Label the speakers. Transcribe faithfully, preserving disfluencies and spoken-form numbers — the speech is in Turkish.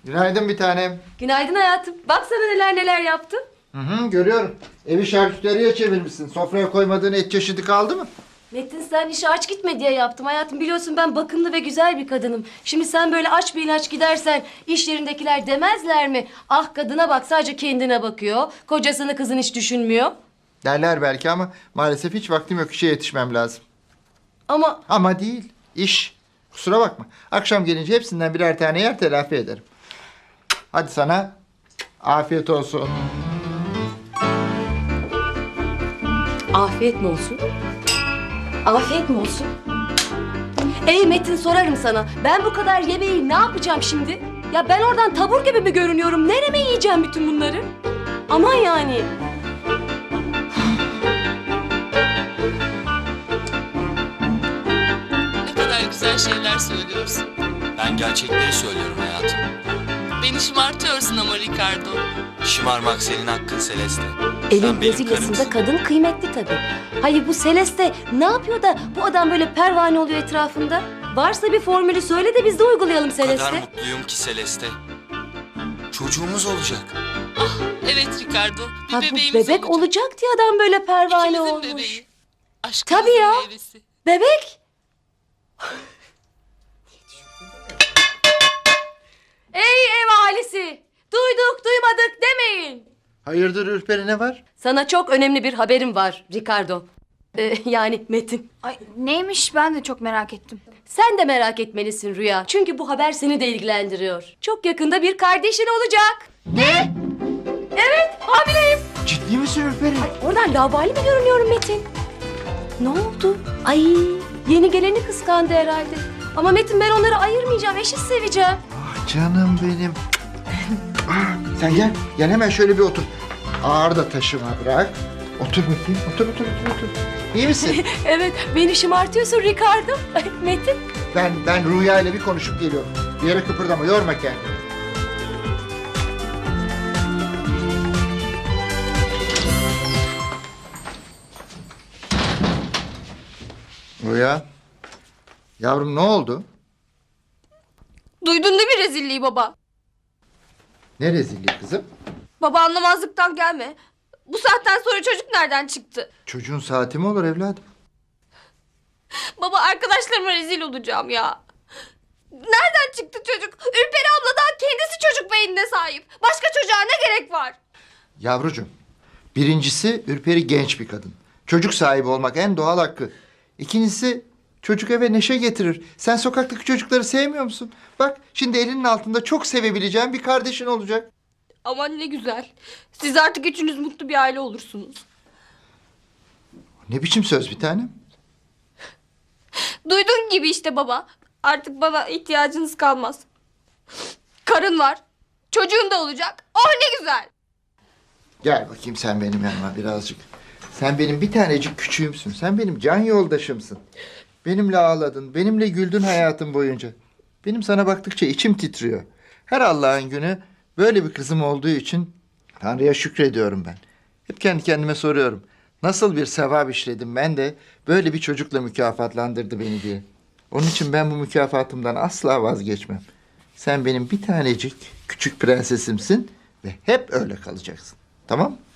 Speaker 1: Günaydın bir tanem.
Speaker 2: Günaydın hayatım. Bak sana neler neler yaptım.
Speaker 1: Hı hı, görüyorum. Evi şarküteriye çevirmişsin. Sofraya koymadığın et çeşidi kaldı mı?
Speaker 2: Metin sen işe aç gitme diye yaptım hayatım. Biliyorsun ben bakımlı ve güzel bir kadınım. Şimdi sen böyle aç bir ilaç gidersen iş yerindekiler demezler mi? Ah kadına bak sadece kendine bakıyor. Kocasını kızını hiç düşünmüyor.
Speaker 1: Derler belki ama maalesef hiç vaktim yok. İşe yetişmem lazım.
Speaker 2: Ama
Speaker 1: Ama değil. İş. Kusura bakma. Akşam gelince hepsinden birer tane yer telafi ederim. Hadi sana afiyet olsun.
Speaker 2: afiyet mi olsun? Afiyet mi olsun? Ey Metin sorarım sana. Ben bu kadar yemeği ne yapacağım şimdi? Ya ben oradan tabur gibi mi görünüyorum? Nereme yiyeceğim bütün bunları? Aman yani.
Speaker 3: Ne kadar güzel şeyler söylüyorsun.
Speaker 4: Ben gerçekleri söylüyorum hayatım.
Speaker 3: Beni şımartıyorsun ama Ricardo.
Speaker 4: Şımarmak senin hakkın Celeste.
Speaker 2: Elin
Speaker 4: Sen benim
Speaker 2: Brezilya'sında
Speaker 4: karımsın.
Speaker 2: kadın kıymetli tabii. Hayır bu Celeste ne yapıyor da bu adam böyle pervane oluyor etrafında? Varsa bir formülü söyle de biz de uygulayalım
Speaker 4: O kadar
Speaker 2: Celeste.
Speaker 4: mutluyum ki Celeste. Çocuğumuz olacak.
Speaker 3: Ah evet Ricardo. Bir
Speaker 2: Ha, bu
Speaker 3: bebeğimiz
Speaker 2: bebek
Speaker 3: olacak.
Speaker 2: olacak diye adam böyle pervane
Speaker 3: İkimizin
Speaker 2: olmuş.
Speaker 3: bebeği. Aşkımızın
Speaker 2: Tabii ya.
Speaker 3: meyvesi.
Speaker 2: Bebek. Ey ev ailesi! Duyduk duymadık demeyin.
Speaker 1: Hayırdır Ürperi, ne var?
Speaker 2: Sana çok önemli bir haberim var Ricardo. Ee, yani Metin.
Speaker 5: Ay neymiş ben de çok merak ettim.
Speaker 2: Sen de merak etmelisin Rüya. Çünkü bu haber seni de ilgilendiriyor. Çok yakında bir kardeşin olacak. Ne? Evet, hamileyim.
Speaker 1: Ciddi misin Ürperi?
Speaker 2: Oradan labali mi görünüyorum Metin? Ne oldu? Ay, yeni geleni kıskandı herhalde. Ama Metin ben onları ayırmayacağım, eşit seveceğim.
Speaker 1: Ah canım benim. Ah, sen gel. Gel hemen şöyle bir otur. Ağır da taşıma bırak. Otur bakayım. Otur otur otur otur. İyi misin?
Speaker 2: Evet, beni şımartıyorsun Ricardo. Ay, Metin.
Speaker 1: ben ben Rüya ile bir konuşup geliyorum. Bir yere kıpırdama, yorma kendini. Rüya. Yavrum ne oldu?
Speaker 5: Duydun değil mi rezilliği baba?
Speaker 1: Ne rezilliği kızım?
Speaker 5: Baba anlamazlıktan gelme. Bu saatten sonra çocuk nereden çıktı?
Speaker 1: Çocuğun saati mi olur evladım?
Speaker 5: Baba arkadaşlarıma rezil olacağım ya. Nereden çıktı çocuk? Ürperi abla daha kendisi çocuk beynine sahip. Başka çocuğa ne gerek var?
Speaker 1: Yavrucuğum, birincisi Ürperi genç bir kadın. Çocuk sahibi olmak en doğal hakkı. İkincisi çocuk eve neşe getirir. Sen sokaktaki çocukları sevmiyor musun? Bak şimdi elinin altında çok sevebileceğin bir kardeşin olacak.
Speaker 5: Aman ne güzel. Siz artık üçünüz mutlu bir aile olursunuz.
Speaker 1: Ne biçim söz bir tanem?
Speaker 5: Duyduğun gibi işte baba. Artık bana ihtiyacınız kalmaz. Karın var. Çocuğun da olacak. Oh ne güzel.
Speaker 1: Gel bakayım sen benim yanıma birazcık. Sen benim bir tanecik küçüğümsün. Sen benim can yoldaşımsın. Benimle ağladın, benimle güldün hayatım boyunca. Benim sana baktıkça içim titriyor. Her Allah'ın günü böyle bir kızım olduğu için Tanrı'ya şükrediyorum ben. Hep kendi kendime soruyorum. Nasıl bir sevap işledim ben de böyle bir çocukla mükafatlandırdı beni diye. Onun için ben bu mükafatımdan asla vazgeçmem. Sen benim bir tanecik küçük prensesimsin ve hep öyle kalacaksın. Tamam mı?